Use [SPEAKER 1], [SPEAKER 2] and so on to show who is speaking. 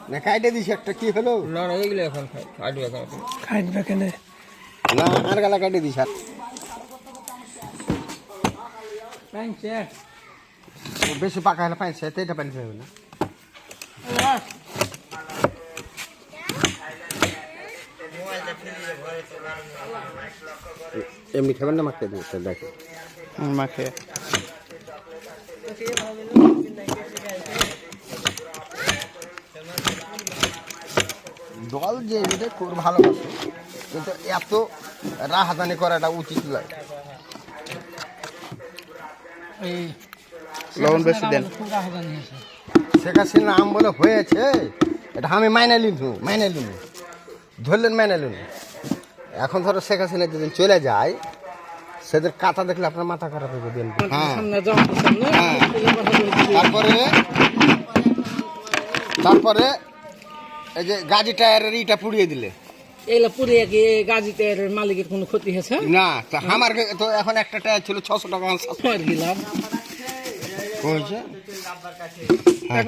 [SPEAKER 1] না কাটে দিস একটা কি হলো
[SPEAKER 2] না না এইগুলো এখন কাটবে এখন
[SPEAKER 3] খাইবে কেন
[SPEAKER 1] না আর গালা কাটে দিস আর বেশি পাকা হলে পাইছে এটা পানি হবে না এমনি খাবেন না মাখতে দিতে দেখো
[SPEAKER 3] মাখে
[SPEAKER 1] দল যে এটা খুব ভালোবাসে কিন্তু এত রাহাজানি করাটা উচিত নয়
[SPEAKER 3] লবণ বেশি দেন
[SPEAKER 1] শেখ হাসিনা আম বলে হয়েছে এটা আমি মাইনে লিনু ধরলেন মাইনে লিনু এখন ধরো শেখ হাসিনা যেদিন চলে যায় সেদের কাতা দেখলে আপনার মাথা খারাপ হয়ে দেন হ্যাঁ তারপরে এই যে গাড়ি টায়ারের ইটা পুড়িয়ে দিলে
[SPEAKER 2] এইগুলো পুড়িয়ে কি গাজী টায়ারের মালিকের কোনো ক্ষতি হয়েছে
[SPEAKER 1] না তা আমার তো এখন একটা টায়ার ছিল 600 টাকা
[SPEAKER 2] দিলাম
[SPEAKER 1] হয়েছে